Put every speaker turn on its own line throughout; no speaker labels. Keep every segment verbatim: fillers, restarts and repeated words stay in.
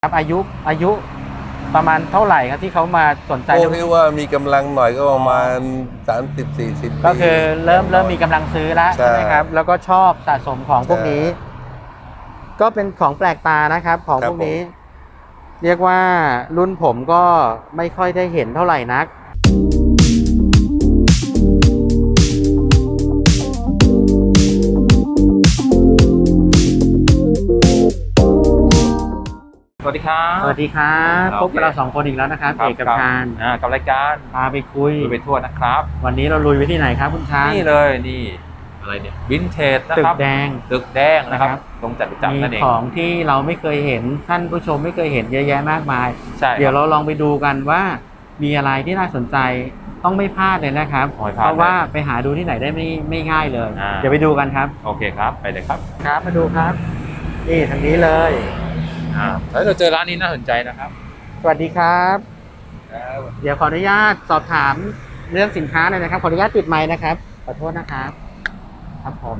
ครับอายุอายุประมาณเท่าไหร่ครับที่เขามาสนใจ
พวกที่ว่ามีกำลังหน่อยก็ประมาณสามสิบสี่สิบปี
ก็คือเริ่มเริ่มมีกำลังซื้อแล้วใช่ไหมครับแล้วก็ชอบสะสมของพวกนี้ ก็เป็นของแปลกตานะครับของพวกนี้ เรียกว่ารุ่นผมก็ไม่ค่อยได้เห็นเท่าไหร่นัก
สวัสดีครับ
สวัสดีครับพบกับเราสองคนอีกแล้วนะครับเอกกับชาญ
กับรายการ
พาไปคุย
ไปทั่วนะครับ
วันนี้เราลุยไปที่ไหนครับคุณชาญ
นี่เลยนี่อะไรเนี่ยวินเทจนะครับ
ตึกแดง
ตึกแดงนะครับตรงจัตุจักรนั่นเอง
มีของที่เราไม่เคยเห็นท่านผู้ชมไม่เคยเห็นเยอะแยะมากมาย
ใช่
เดี๋ยวเราลองไปดูกันว่ามีอะไรที่น่าสนใจต้องไม่พลาดเลยนะครับเพราะว่าไปหาดูที่ไหนได้ไม่ไม่ง่ายเลยเดี๋ยวไปดูกันครับ
โอเคครับไปเลยครับ
ครับมาดูครับนี่ทางนี้เลย
อ่าแล้วเราเจอร้านนี้น่าสนใจนะครับ
สวัสดีครับเดี๋ยวขออนุญาตสอบถามเรื่องสินค้าหน่อยนะครับขออนุญาตติดไมค์นะครับขอโทษนะครับครับผม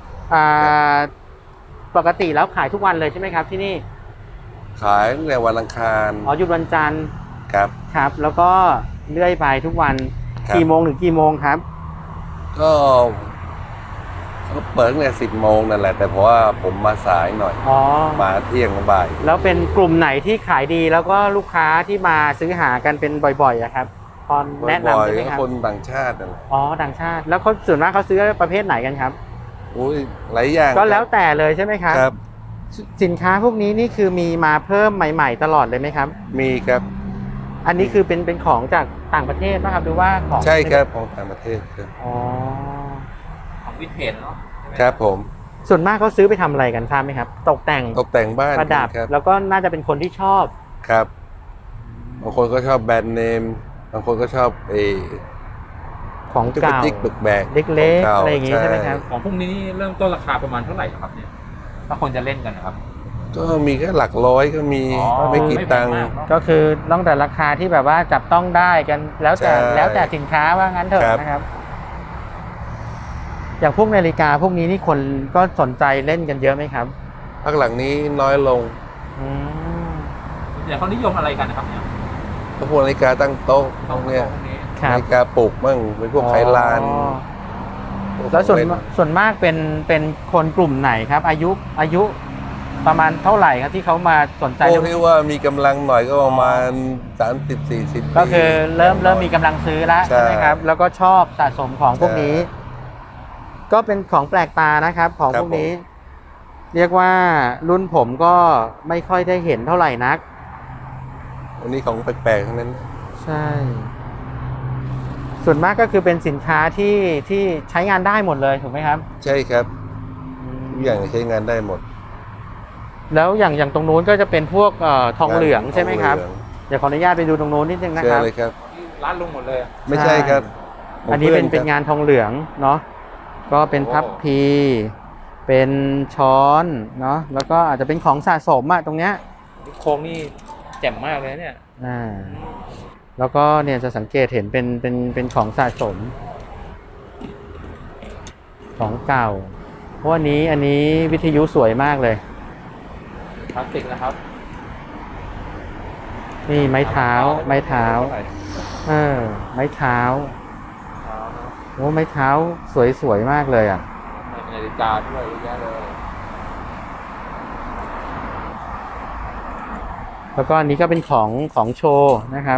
ปกติแล้วขายทุกวันเลยใช่ไหมครับที่นี่
ขายตั้งแต่วันอังคาร
อ๋อหยุดวันจันทร์
ครับ
ครับแล้วก็เลื่อยไปทุกวันกี่โมงถึงกี่โมงครับ
ก็ก็เปิดตั้งแต่สิบโมงนั่นแหละแต่เพราะว่าผมมาสายหน่อย
อ๋อ
มาเที่ยงบ่าย
แล้วเป็นกลุ่มไหนที่ขายดีแล้วก็ลูกค้าที่มาซื้อหากันเป็นบ่อยๆอะครับตอนแนะนำใช่ไหมครับ
คนต่างชาตินั่นแหละ
อ๋อต่างชาติแล้วเขาส่วนมากเขาซื้อประเภทไหนกันครับ
อุ้ยหลายอย่าง
ก็แล้วแต่เลยใช่ไหมครับ
ครับ
สินค้าพวกนี้นี่คือมีมาเพิ่มใหม่ๆตลอดเลยไหมครับ
มีครับ
อันนี้คือเป็นเป็นของจากต่างประเทศป่ะครับหรือว่าของ
ใช่ครับของต่างประเทศครับ
อ๋อ
ของวินเทจเนาะ
ครับผม
ส่วนมากเขาซื้อไปทำอะไรกันทราบไหมครับตกแต่ง
ตกแต่งบ้าน
ประดับแล้วก็น่าจะเป็นคนที่ชอบ
ครับบางคนก็ชอบแบรนด์เนมบางคนก็ชอบเอ
ของเก่า
จิ๊กบึกแบก
เล็กๆอะไรอย่างงี้ใช่ไหมครับ
ของพวกนี้เริ่มต้นราคาประมาณเท่าไหร่ครับเนี่ยถ้าคนจะเล่นกันนะครับ
ก็มีแค่หลักร้อยก็มีไม่กี่ตังค์
ก็คือต้องแต่ราคาที่แบบว่าจับต้องได้กันแล้วแต่แล้วแต่สินค้าว่างั้นเถอะนะครับอย่างพวกนาฬิกาพวกนี้นี่คนก็สนใจเล่นกันเยอะไหมครับ
พักหลังนี้น้อยลง
อืม
อย่างเขานิยมอะไรกันนะครับเนี่ย
พวกนาฬิกาตั้งโต๊ะพวกเนี้ยนาฬิกาปลุกมั่งเป็นพวกไขลาน
แล้วส่วนส่วนมากเป็นเป็นคนกลุ่มไหนครับอายุอายุประมาณเท่าไหร่ครับที่เขามาสนใจ
พวกที่ว่ามีกำลังหน่อยก็ประมาณสามสิบสี่สิบปี
ก็คือเริ่มเริ่มมีกำลังซื้อแล้วใช่ไหมครับแล้วก็ชอบสะสมของพวกนี้ก็เป็นของแปลกตานะครับของพวกนี้เรียกว่ารุ่นผมก็ไม่ค่อยได้เห็นเท่าไหร่นัก
วันนี้ของแปลกๆทั้งนั้น
ใช่ส่วนมากก็คือเป็นสินค้าที่ที่ใช้งานได้หมดเลยถูกไหมครับ
ใช่ครับทุกอย่างใช้งานได้หมด
แล้วอย่างอย่างตรงนู้นก็จะเป็นพวกเอ่อทองเหลืองใช่ไหมครับเดี๋ยวขออนุญาตไปดูตรงนู้นนิดนึงนะครับ
เชิญเลยครับ
ร้านลุงหมดเลย
ไม่ใช่ครับ
อันนี้เป็นเป็นงานทองเหลืองเนาะก็เป็นพับพีเป็นช้อนเนาะแล้วก็อาจจะเป็นของสะสมอะตรงเนี้ย
โครงนี่แจ่มมากเลยเนี่ย
อ่าแล้วก็เนี่ยจะสังเกตเห็นเป็นเป็นเป็นของสะสมของเก่าเพราะอันนี้อันนี้วิทยุสวยมากเลย
พลาสติกนะครับ
นี่ไม้เท้าไม้เท้าเออไม้เท้าโอ้ไม้เท้าสวยๆมากเลยอ่ะ
นาฬิกาด้วยเยอะแยะเลย
แล้วก็อันนี้ก็เป็นของของโชว์นะครับ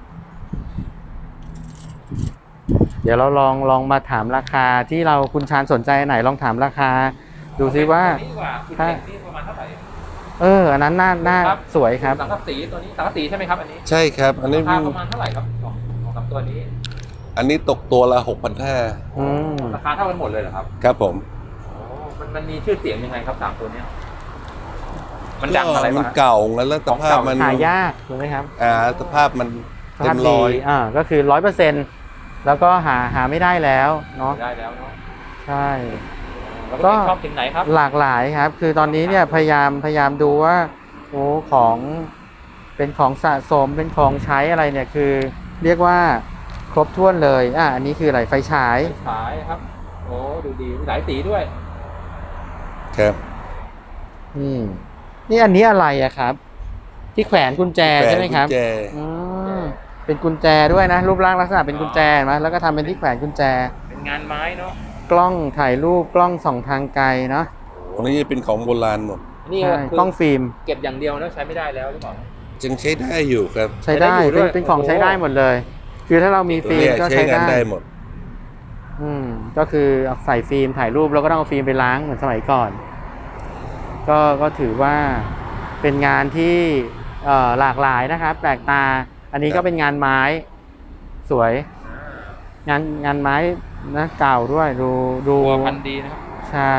เดี๋ยวเราลองลองมาถามราคาที่เราคุณชาญสนใจไหนลองถามราคาดูซิว่าถ้าเอออันนั้นน่าน่าสวยครับ
สังกะสีตัวนี้สังกะสีใช่ไหมครับอันนี้
ใช่ครับอันนี้
ราคาประมาณเท่าไหร่ครับของของสามตัวนี้
อันนี้ตกตัวละหกพันห้า
ราคาเท่ากันหมดเลยเหรอครับ
ครับผม
โอ้มันมันมีชื่อเสียงยังไงครับสามตัวนี้มันดังอะไร
มันเก่าแล้วสภาพมัน
หายากถูกไหมครับ
อ่าสภาพมันเต็มร้อย
อ่าก็คือร้อยเปอร์เซ็นต์แล้วก็หาหาไม่ได้แล้วเนาะ
ได้แล้วเนาะ
ใช่
ก็ชอบถึงไหนครับ
หลากหลายครับคือตอนนี้เนี่ยพยายามพยายามดูว่าโอ้ของเป็นของสะสมเป็นของใช้อะไรเนี่ยคือเรียกว่าครบถ้วนเลยอ่ะอันนี้คืออะไรไฟฉาย
ไฟฉายครับโอ้ดูดีหลายสีด้วย
ครับ
นี่นี่อันนี้อะไรอะครับที่แขวนกุญแจใช่ไหมครับ
กุญแจ
อืมเป็นกุญแจด้วยนะ รูปร่างลักษณะเป็นกุญแจเห็นไหมแล้วก็ทำเป็นที่แขวนกุญแจ
เป็นงานไม้เนาะ
กล้องถ่ายรูปกล้องส่องทางไกลเนาะ
ตรงนี้จะเป็นของโบราณหมด
นี่
ใช่
คือก
ล้องฟิล์ม
เก็บอย่างเดียวนะใช้ไม่ได้แล้วหรือเปล่า
จึงใช้ได้อยู่ครับ
ใช้ได้
ใช้ได้อยู่ด้
เป็น
วย
เป็นของ
โอ้โห
ใช้ได้หมดเลย คือถ้าเรามี
ตรง
ฟิล์ม
เนี้ย
ก็
ใช้
ใช้
งาน
ได้
ได้หมด
อืมก็คือเอาใส่ฟิล์มถ่ายรูปแล้วก็ต้องเอาฟิล์มไปล้างเหมือนสมัยก่อน ก็ก็ถือว่าเป็นงานที่เอ่อหลากหลายนะครับ แปลกตา อันนี้
ครั
ก็
บ
เป็นงานไม้สวย งานงานไม้นะเก่าด้วยดูดู
ตัวพันดีนะครับ
ใช่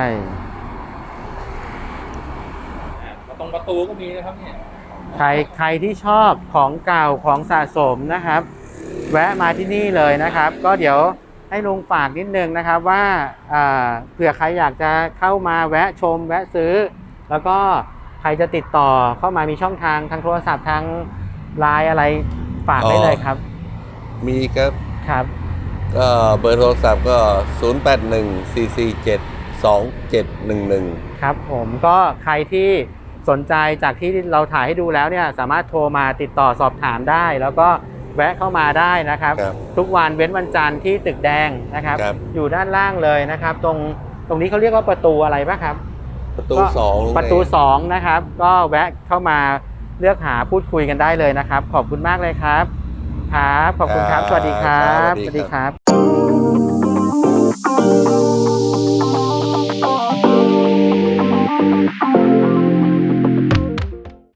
อ่าตรงประตูก็มีนะครับเนี่ย
ใครใครที่ชอบของเก่าของสะสมนะครับ แวะมาที่นี่เลยนะครับ ก็เดี๋ยวให้ลุงฝากนิดนึงนะครับว่าอ่าเผื่อใครอยากจะเข้ามาแวะชม แวะซื้อ แล้วก็ใครจะติดต่อเข้ามามีช่องทางทางโทรศัพท์ทางไลน์อะไรฝากได้เลยครับ
มีครับ
ครับ
ก็เบอร์โทรศัพท์ก็ ศูนย์ แปด หนึ่ง สี่ สี่ เจ็ด สอง เจ็ด หนึ่ง หนึ่ง
ครับผมก็ใครที่สนใจจากที่เราถ่ายให้ดูแล้วเนี่ยสามารถโทรมาติดต่อสอบถามได้ แล้วก็แวะเข้ามาได้นะครับ
ครับ
ทุกวันเว้นวันจันทร์ที่ตึกแดงนะครับ
ครับ
อยู่ด้านล่างเลยนะครับ ตรงตรงนี้เขาเรียกว่าประตูอะไรปะครับ
ประตู
ก็
สอง
ประตูสองนะครับ ก็แวะเข้ามาเลือกหาพูดคุยกันได้เลยนะครับ ขอบคุณมากเลยครับครับขอบคุณครับ สวัสดีครับ
สวัสดีครับ
ครับ